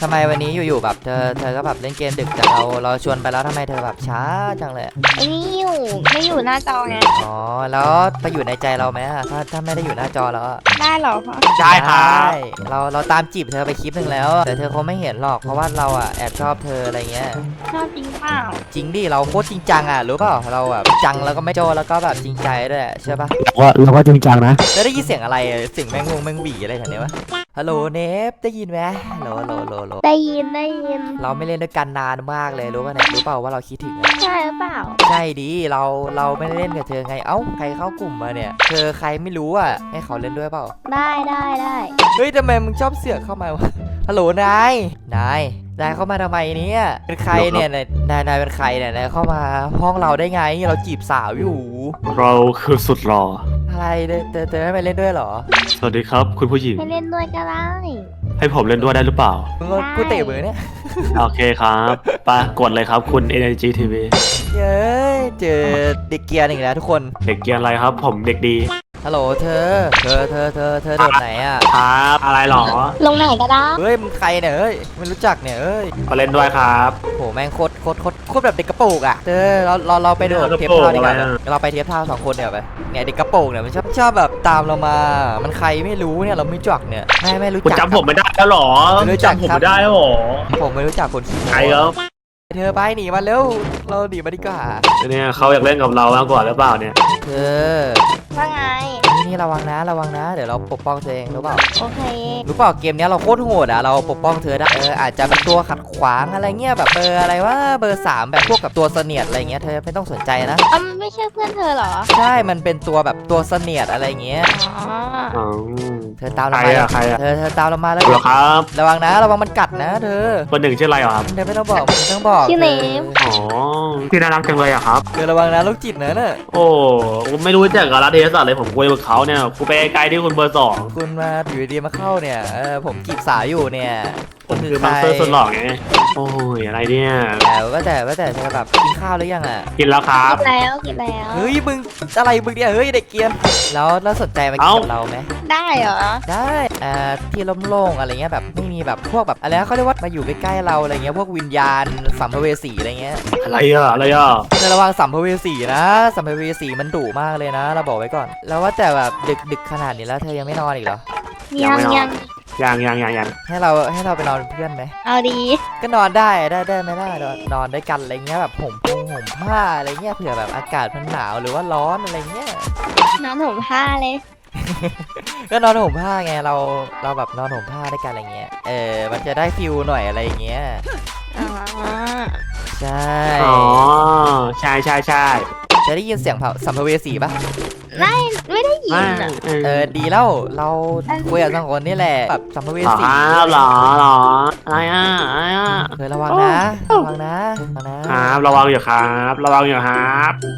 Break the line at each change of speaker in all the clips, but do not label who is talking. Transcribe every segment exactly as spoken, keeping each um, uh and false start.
ทำไมวันนี้อยู่ๆแบบเธอเธอก็แบบเล่นเกมดึกแต่เราเราชวนไปแล้วทำไมเธอแบบช้าจังเลย
ไอ้นี่อยู่ไม่อยู่หน้าจอไง
อ๋อแล้วไปอยู่ในใจเราไหมอะถ้าถ้าไม่ได้อยู่หน้าจอแล้วอะ
ได้เหรอคะ
ได้ครับ
เราเราตามจีบเธอไปคลิปหนึ่งแล้วแต่เธอคงไม่เห็นหรอกเพราะว่าเราอะแอบชอบเธออะไรเงี้ย
ชอบจริงเปล่า
จริงดิเราโคตรจริงจังอะรู้เปล่าเราแบบจังแล้วก็ไม่โจแล้วก็แบบจริงใจด้วยใช่ปะ
ว่าเราก็จริงจังนะ
แล้วได้ยินเสียงอะไรอะเสียงแมงมุมแมงหวีอะไรแถวนี้วะฮัลโหลเนฟได้ยินไหมฮัลโหลฮัลโหลฮัลโหลฮัลโหล
ได้ยินได้ยิน
เราไม่เล่นด้วยกันนานมากเลยรู้ป่ะเนี่ยรู้เปล่าว่าเราคิดถึงอะ
ใช่หรือเปล่า
ใช่ดิเราเราไม่ได้เล่นกับเธอไงเอ้าใครเข้ากลุ่มมาเนี่ยเธอใครไม่รู้อ่ะให้เขาเล่นด้วยเปล่า
ได้ได้ได้
เฮ้ยทำไมมึงชอบเสือกเข้ามาวะฮัลโหลนายนายนายเข้ามาทำไมเนี่ยเป็นใครเนี่ยนายนายนายเป็นใครเนี่ยนายเข้ามาห้องเราได้ไงเราจีบสาวอยู่
เราคือสุดหล่อ
อะไรเธอเธอเธอไม่ไปเล่นด้วยเหรอ
สวัสดีครับคุณผู้หญิง
ไปเล่นด้วยก็ได้
ให้ผมเล่นด้วยได้หรือเปล่า
มึงก็กูเตะมือเนี่ย
โอเคครับไปกดเลยครับคุณ Energy ที วี
เย้ยเจอเด็กเกียร์อีกแล้วทุกคน
เด็กเกียร์อะไรครับ ผมเด็กดี
ฮัลโหลเธอเธอเธอเธอเธอโดดไหนอ่ะ
ครับ อะไรหรอ
ลงไหนก็ได้
เฮ้ยมึงใครเนี่ยเฮ้ยไม่รู้จักเนี่ยเอ้ย
มาเล่นด้วยครับ
โหแม่งโคตรโคตรโคตรโคตรแบบเด็กกระโปรงอ่ะเธอเราเราเราไปโดด
เด็ก
เท
ก
ประ
โปรง
เท่าดีกว่า
อะไรอะ
เราไปเทปเท่าสองคนเดี๋ยวไปเนี่ยเด็กกระโปรงเนี่ยมันชอบชอบแบบตามเรามา มันใครไม่รู้เนี่ยเราไม่รู้จักเนี่ยไม่ไม่รู้
คุณ
จัก
จำผมไม่ได้แล้วหรอ
ไม่รู้จัก
จำผม
ครับ
ไม่ได้แล้วหรอ
ผมไม่รู้จักคนขี้โม้
ใครครับ
เธอไปหนีมาเร็วเราหนีมาดีกว่า
เนี่ยเขาอยากเล่นกับเรามากกว่าหรือเปล่าเนี่ย
เธอ
ว่าไง
นี่นี่ระวังนะระวังนะเดี๋ยวเราปกป้องเธอเองรู้เปล่า
โอเค
รู้เปล่าเกมเนี้ยเราโคตรโหดอ่ะเราปกป้องเธอได้เอออาจจะเป็นตัวขัดขวางอะไรเงี้ยแบบเบอร์อะไรว่าเบอร์สามแบบพวกกับตัวเสนียดอะไรเงี้ยเธอไม่ต้องสนใจนะ
อ้าวมันไม่ใช่เพื่อนเธอเหรอ
ใช่มันเป็นตัวแบบตัวเสนียดอะไรเงี้ย
อ๋อ
อ๋อ
เธอตามเรา
ใคร
มา
อะใครอะ
เธอเธอตามเรามาแล้ว
เหรอครับ
ระวังนะระวังมันกัดนะเธอ
คนหนึ่งชื่ออะไรเหรอครับ
เธอไม่ต้องบอกไม่ต้องบอก
ชื่อเนม
อ๋อที่น่ารักจังเลยอะครับ
เธอระวังนะลูกจิตนะน่ะ
โอ้ผมไม่รู้จักกับรัฐเทศศาสตร์เลยผมคุยกับเขาเนี่ยคุยไปไกลที่คุณเบอร์สอง
คุณมาอยู่ดีๆมาเข้าเนี่ยเออผมจีบสาวอยู่เนี่ย
ผมคือมาสเตอร์สุดหล่อไงโอ้ยอะไรเนี่ย
แต่ว่าแต่ว่าแต่เธอแบบกินข้าวหรือยังอ่ะ
กินแล้วครับ
กินแล้วกินแล้ว
เฮ้ยมึงอะไรมึงเนี่ยเฮ้ยเด็กเกรียนแล้วแล้วสนใจมากินกับเราไหม
ได้เหรอ
ได้อ่าที่โล่งๆอะไรเงี้ยแบบไม่มีแบบพวกแบบอะไรนะเขาเรียกว่ามาอยู่ใกล้ๆเราอะไรเงี้ยพวกวิญญาณสัมภเวสีอะไรเงี้ย
อะไรอะอะไรอะ
เธอระวังสัมภเวสีนะสัมภเวสีมันดุมากเลยนะ เราบอกไว้ก่อน แล้วว่าแต่แบบดึกดึกขนาดนี้แล้วเธอยังไม่นอนอีกเหรอ
ยังยัง
ยังยังยังยัง
ให้เราให้เราไปนอนเป็นเพื่อนไหม
เอาดี
ก็นอนได้ได้ได้ไหมล่ะนอนนอนด้วยกันอะไรเงี้ยแบบห่มพงห่มผ้าอะไรเงี้ยเผื่อแบบอากาศมันหนาวหรือว่าร้อนอะไรเงี้ย
นอนห่มผ้าเลย
ก็นอนห่มผ้าไงเราเราแบบนอนห่มผ้าด้วยกันอะไรเงี้ยเออมันจะได้ฟิลหน่อยอะไรเงี้ย
อ๋อ
ใช่
อ๋อใช่ใช่ใช่
จะได้ยินเสียงเผาสัมภเวสีปะ
ไม่ไม่ได้ยิน
ไม่
อ่ะ
เอ
เอ
อ
อดีแล้วเราคุยกับสองคนนี่แหละแบบสัมภเว
หรอ
สี
ครับหรอหรออะไรอ่ะอะไรอ่ะ
เธอระวังนะระวังนะระวังนะครับ
ระวังอยู่ครับระวังอยู่ครับ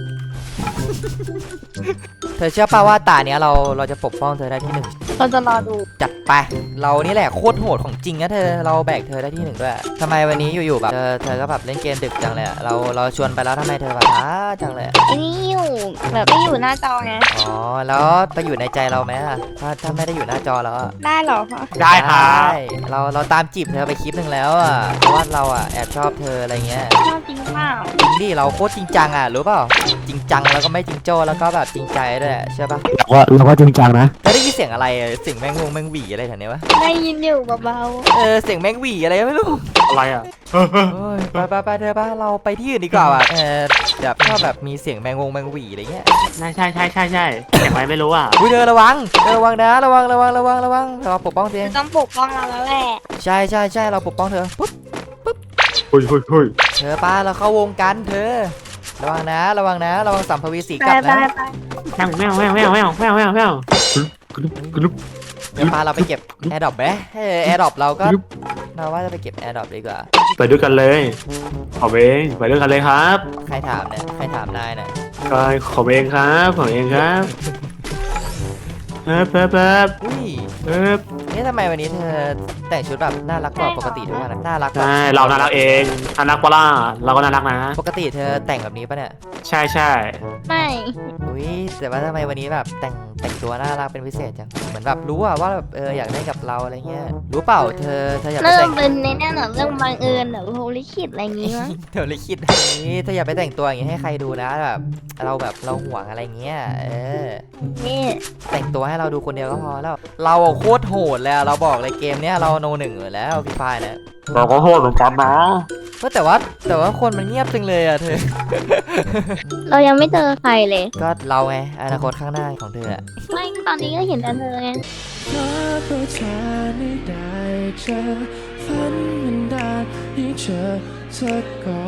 เธอเชื่อป่าว่าตาเนี้ยเราเราจะปกป้องเธอได้ที่หนึ่ง
เราจะรอดู
จัดไปเรานี่แหละโคตรโหดของจริงนะเธอเราแบกเธอได้ที่หนึ่งด้วยทำไมวันนี้อยู่ๆแบบเธอเธอก็แบบเล่นเกมดึกจังเลยอะเราเราชวนไปแล้วทำไมเธอแบบช้าจังเลยอะ
ไอ้นี่อยู่แบบไม่อยู่หน้าจอไง
อ๋อแล้วไปอยู่ในใจเราไหมอะถ้าถ้าไม่ได้อยู่หน้าจอแล้วอะ
ได้เหรอคะ
ได้ครับ
ได้เราเราตามจีบเธอไปคลิปหนึ่งแล้วอะเพราะว่าเราอะแอบชอบเธออะไรเงี้ย
ชอบจริงเปล่า
จริงดิเราโคตรจริงจังอะรู้เปล่าจริงจังแล้วก็ไม่จริงโจ้แล้วก็แบบจริงใจด้วยใช่ปะ
ว่าเราก็จริงจังนะ
แล้วได้ยินเสียงอะไรอะเสียงแมงมุมแมงหวีอะไรแถวนี้วะ
ได้ยินอยู่เบา
เออเสียงแมงหวีอะไรไม่รู้
อะไรอ่ะ
โอ้ยไปไปไปเธอปะเราไปที่อื่นดีกว่าว่ะเออแบบชอบแบบมีเสียงแมงวงแมงหวีอะไรเงี้ย
ใช่ใช่ใช่ใช่ใช่อย่างไรไม่รู้อ่ะ
อุ้ยเธอระวังเธอระวังนะระวังระวังระวังระวังเราปกป้องเธ
ๆ
อ
จะต้องปกป้องเราแล้วแหละ
ใช่ใช่ใช่เราปกป้องเธอปุ๊บ
เฮ้ยเฮ้ยเฮ้ย
เธอป้าเราเข้าวงกันเธอ ระวังนะระวังนะระวังสัมภเวสี
ไป
กัด
ไป
นะ
ไป
แมวแมวแมวแมวแมวแมวแมวแมวกรุ๊ปกรุ๊ป
เดี๋ยวป้าเราไปเก็บแอร์ดรอปไหมเออแอร์ดรอปเราก็เราว่าจะไปเก็บแอร์ดรอปดีกว่า
ไปด้วยกันเลยขอเองไปด้วยกันเลยครับ
ใครถามเนี่ยใครถามนายเนี่ย
ก็ขอเองครับขอเองครับเอ๊บเอ๊บเอ๊บ
อุ้ย
เอ๊บ
นี่ทำไมวันนี้เธอแต่งชุดแบบน่ารักกว่าปกติทุกวันนะน่ารักกว่า
ใช่เราน่ารักเองน่ารักปะล่ะเราก็น่ารักนะ
ปกติเธอแต่งแบบนี้ปะเนี่ย
ใช่ใช่
ไม่
อุ้ยแต่ว่าทำไมวันนี้แบบแต่งแต่งตัวน่ารักเป็นพิเศษจังเหมือนแบบรู้อะว่าแบบเอออยากได้กับเราอะไรเงี้ยรู้เปล่าเธอเธออยากไป
เริ่
แต่
ม
ง
เป็นในนั่นเหรอเรื่องบังเอิญเหรอโฮลิคิดอะไรอย่างงี้มั้ง
เธอเลยคิดนี่เธออย่าไปแต่งตัวอย่างงี้ให้ใครดูนะแบบเราแบบเราห่วงอะไรเงี้ยเออ
นี่
แต่งตัวให้เราดูคนเดียวก็พอแล้วเราอะโคตรโหดเลยอะเราบอกเลยเกมเนี้ยเราโนหนึ่งอยู่แล้วพี่ฟายเนี่ย
เราก็โทษเหมือนกันนะ
ก็แต่ว่าแต่ว่าคนมันเงียบจังเลยอะเธอ
เรายังไม่เจอใครเลย
ก็เราไงอนาคตข้างหน้าของเธออะ
ไม่ตอนนี้ก็เห็นแต่เธอไง
ขอเพื่อเธอไม่ได้เจอฝันมันได้ให้เจอเธอก่อน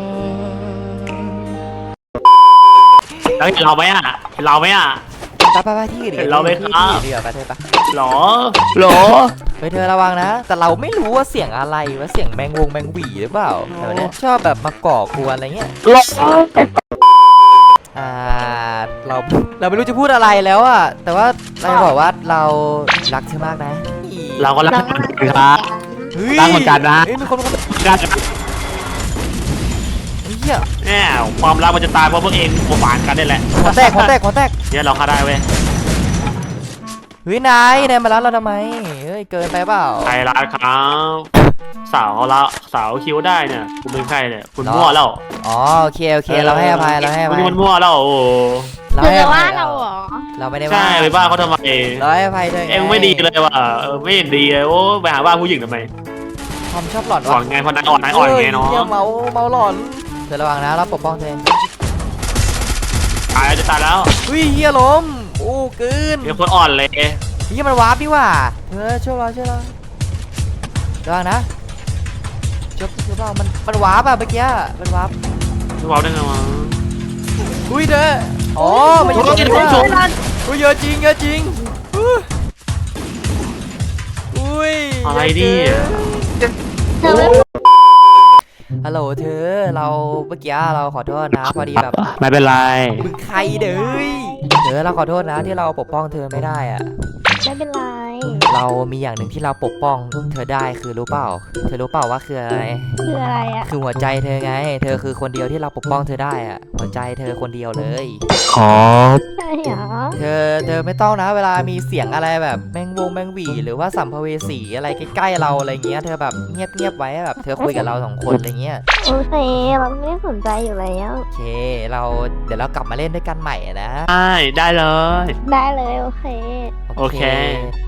แล้วเห็นเราไหมอ่ะเห็นเราไหมอ่ะ
ไปไปไปที่อื่นดีก
เห็
ว่าน
เราไหม
ที่
ครับ
ที่อื่นดีกว่าไปเธอไป
หรอหรอ
เฮ้ยเธอระวังนะ แต่เราไม่รู้ว่าเสียงอะไรว่าเสียงแมงวงแมงหวีหรือเปล่าแต่วันเนี้ยชอบแบบมาก่อกวนอะไรเงี้ย
หรอ
อ่าเราเราไม่รู้จะพูดอะไรแล้วอะแต่ว่าเราจะบอกว่าเรารักเธอมากนะ
เราก็รัก
เรา
เห
ก็
มือน
รัก
กันครับ
ฮ้ย
รักเหมือนกันนะ
เฮ้ยมีคนมีคน
กัน
เฮีย
แน่ความรักมันจะตายเพราะพวกเองโมฝานกันนี่แหละ
ขอแตกขอแตกขอแตก
เนี่ยเราฆ่าได้เว้ย
เฮ้ยนายนายมารับเราทำไมเฮ้ยเกินไปเปล่า
ใครรักครับสาวละสาวคิ้วได้เนี่ยคุณเป็นใครเนี่ยคุณมั่วแล้ว
อ๋อโอเคโอเคเราให้อภัยเราให้อ
คุณ
ภัย
นี่มันมั่วแล้วโอ้โห
เรา
เธ
ให้
อ
อภั
ว่าย เราเหรอ
เราไม่ได้
ใช่
ว่า
ไปบ้าเขาทำไม
เราให้อภัยเธอ
เอ็งไม่ดีเลยว่ะเออไม่เห็นดีเลยโอ้ไปหาบ้าผู้หญิงทำไม
ความชอบหลอน
อ่อ
วะ
นไงพอนายอ่อนนายอ่อนไงเนาะ
เฮ้ยเมาเมาหลอนเธอระวังนะเราปกป้องเธอ
ตายแล้วจะตายแล้ว
เฮ้ยเฮียล้มโอ้เกิน
มีคนอ่อนเลย
เฮียมันวาร์ปดีว่าเธอช่วยเราช่วยเราระวังนะช่วยช่วยเรามันมันวาร์ปอะเมื่อกี้มันวาร์ป
ทุกเราได้ไงวะ
อุ้ยเธออ๋อมันอยู่ตรงนี้ว่ะอุ้ยเยอะจริงเยอะจริงอุ้ยอุ้ย
อะไรดิ
เธอไม่
ฮัลโหลเธอเราเมื่อกี้เราขอโทษนะพอดีแบบ
ไม่เป็นไร
มึงใครเด้ยเธอเราขอโทษนะที่เราปกป้องเธอไม่ได้อะ
ไม่เป็นไร
เรามีอย่างหนึ่งที่เราปกป้องเธอได้คือรู้เปล่า เธอรู้เปล่าว่าคืออะไร
คืออะไรอ่ะ
คือหัวใจเธอไง เธอคือคนเดียวที่เราปกป้องเธอได้อะหัวใจเธอคนเดียวเลย
ขอ
ใช่เหรอ
เธอเธอไม่ต้องนะเวลามีเสียงอะไรแบบแมงวงแมงหวีหรือว่าสัมภเวสีอะไรใกล้ๆเราอะไรเงี้ยเธอแบบเงียบเงียบๆไว้แบบเธอคุยกับเราสองคนอะไรเงี้ย
โอเคเราไม่ได้สนใจอยู่แล้ว
โอเคเราเดี๋ยวเรากลับมาเล่นด้วยกันใหม่นะ
ได้ได้เลย
ได้เลยโอเค
โอเค